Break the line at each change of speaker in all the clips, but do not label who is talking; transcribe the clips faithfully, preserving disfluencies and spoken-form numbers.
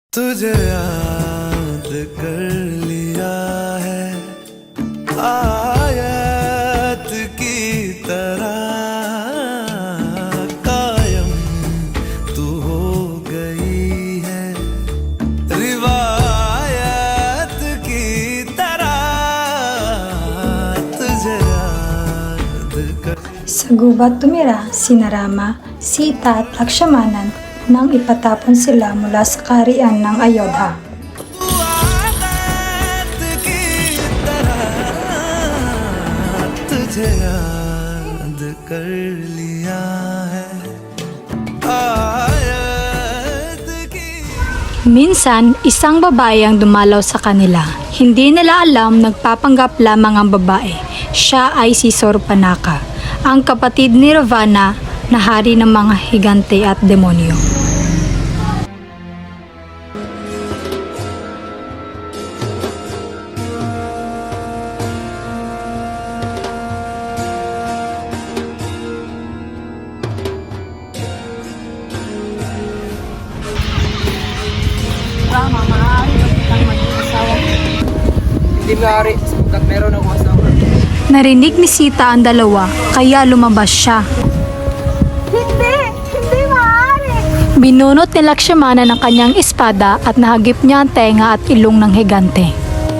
तुझे याद कर लिया है आयत की तरह कायम तू हो गई है रिवायत की तरह तुझे याद कर.
Sa gubat tumira sina Rama, Sita at Lakshmanan nang ipatapon sila mula sa kaharian ng Ayodhya.
आयत की तरह तुझे याद कर लिया है आयत की.
Minsan, isang babae ang dumalaw sa kanila. Hindi nila alam nagpapanggap lamang ang babae. Siya ay si Sorpanaka, ang kapatid ni Ravana na hari ng mga higante at demonyo.
Rama, maaari ba kitang maging asawa? Hindi maaari, sapagkat meron akong asawa.
Narinig ni Sita ang dalawa, kaya lumabas siya.
Hindi! Hindi maaari!
Binunot ni Lakshmana ng kanyang espada at nahagip niya ang tenga at ilong ng higante.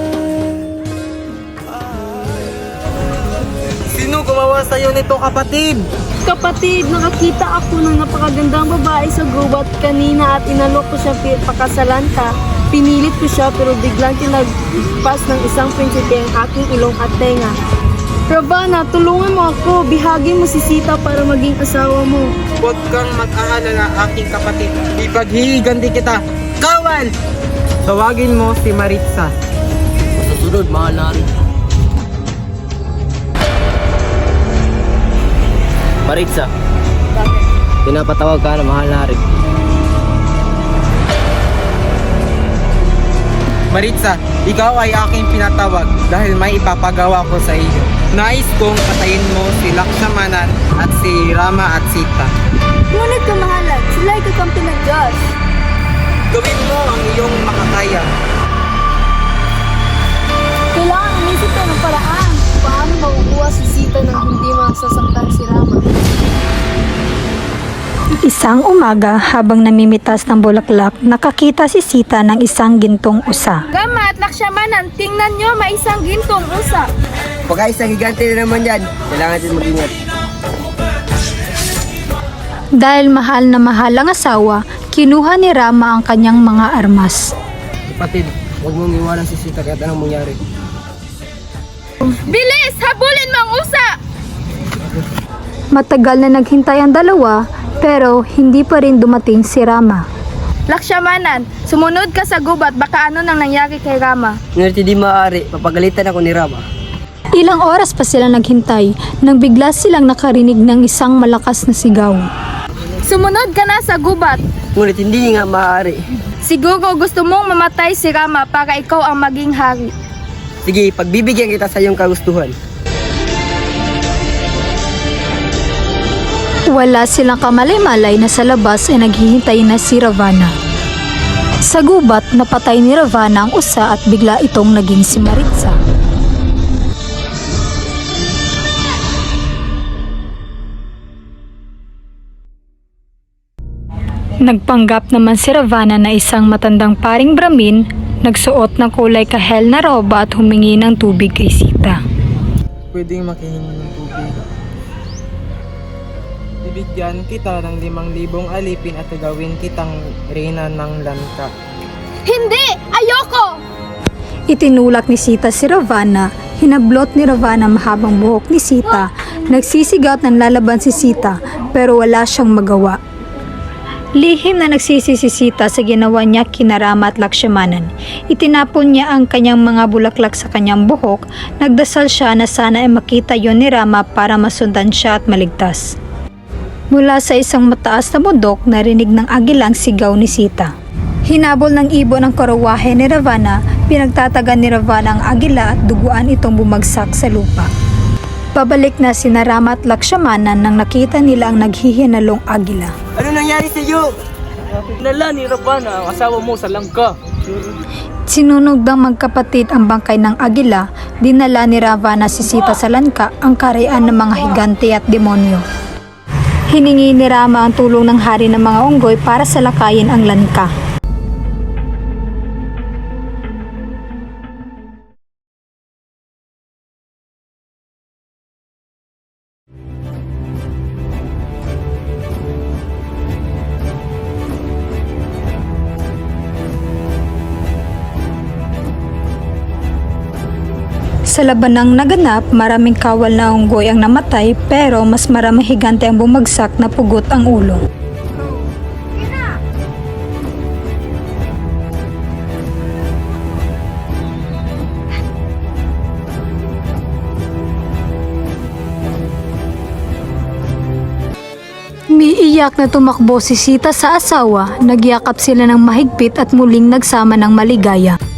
Sino gumawa sa'yo nito, kapatid? Kapatid, nakakita ako ng napakagandang babae sa gubat kanina at inalok ko siya pakasalan ka. Pinilit ko siya pero biglang tinagpas ng isang prinsipe ang aking ilong at tenga. Ravana, tulungan mo ako. Bihagin mo si Sita para maging asawa mo.
Huwag kang mag-aalala, aking kapatid. Ipaghihiganti kita. Kawal! Tawagin mo si Maritza. Sa sunod, mahal na rin. Maritza.
Bakit?
Pinapatawag ka na mahal na rin. Maritza, ikaw ay aking pinatawag dahil may ipapagawa ko sa iyo. Nais kong patayin mo si Lakshmanan at si Rama at Sita.
Ngunit kamahalan, sila ay kakampi ng Diyos.
Gawin mo ang iyong makakaya.
Kailangan umisip ka ng paraan. Paano makukuha si Sita nang hindi masasaktan si Rama?
Isang umaga, habang namimitas ng bulaklak, nakakita si Sita ng isang gintong usa.
Rama at Lakshmanan, tingnan nyo, may isang gintong usa.
Pagka isang higante na naman yan, kailangan din mag-ingat.
Dahil mahal na mahal ang asawa, kinuha ni Rama ang kanyang mga armas.
Kapatid, huwag mong iwanan si Sita kahit anong mangyari.
Bilis! Habulin mo ang usa!
Matagal na naghintay ang dalawa, pero hindi pa rin dumating si Rama.
Lakshmanan, sumunod ka sa gubat, baka ano nang nangyari kay Rama.
Ngunit hindi maaari, papagalitan ako ni Rama.
Ilang oras pa sila naghintay nang bigla silang nakarinig ng isang malakas na sigaw.
Sumunod ka na sa gubat.
Ngunit hindi nga maaari.
Siguro gusto mong mamatay si Rama para ikaw ang maging hari.
Sige, pagbibigyan kita sa iyong kagustuhan.
Wala silang kamalay-malay na sa labas ay naghihintay na si Ravana. Sa gubat, napatay ni Ravana ang usa at bigla itong naging si Maritza. Nagpanggap naman si Ravana na isang matandang paring Brahmin, nagsuot ng kulay kahel na roba at humingi ng tubig kay Sita.
Pwedeng makihingi ng tubig. Bibigyan kita ng limang libong alipin at gawin kitang reyna ng lanka.
Hindi! Ayoko!
Itinulak ni Sita si Ravana, hinablot ni Ravana mahabang buhok ni Sita, nagsisigaw at nanlalaban si Sita pero wala siyang magawa. Lihim na nagsisi si Sita sa ginawa niya kina Rama at Lakshmanan. Itinapon niya ang kanyang mga bulaklak sa kanyang buhok, nagdasal siya na sana ay makita yon ni Rama para masundan siya at maligtas. Mula sa isang mataas na bundok, narinig ng agilang sigaw ni Sita. Hinabol ng ibon ang karawahe ni Ravana, pinagtatagan ni Ravana ang agila at duguan itong bumagsak sa lupa. Pabalik na sina Rama at Lakshmanan nang nakita nila ang naghihinalong agila.
Ano nangyari sa iyo?
Nala ni Ravana ang asawa mo sa langka.
Sinunog ng magkapatid ang bangkay ng agila, dinala ni Ravana si Sita sa lanka, ang kaharian ng mga higante at demonyo. Hiningi ni Rama ang tulong ng hari ng mga unggoy para salakayin ang lanka. Sa labanang naganap, maraming kawal na unggoy ang namatay pero mas maraming higante ang bumagsak na pugot ang ulo. Umiiyak na tumakbo si Sita sa asawa, nagyakap sila ng mahigpit at muling nagsama ng maligaya.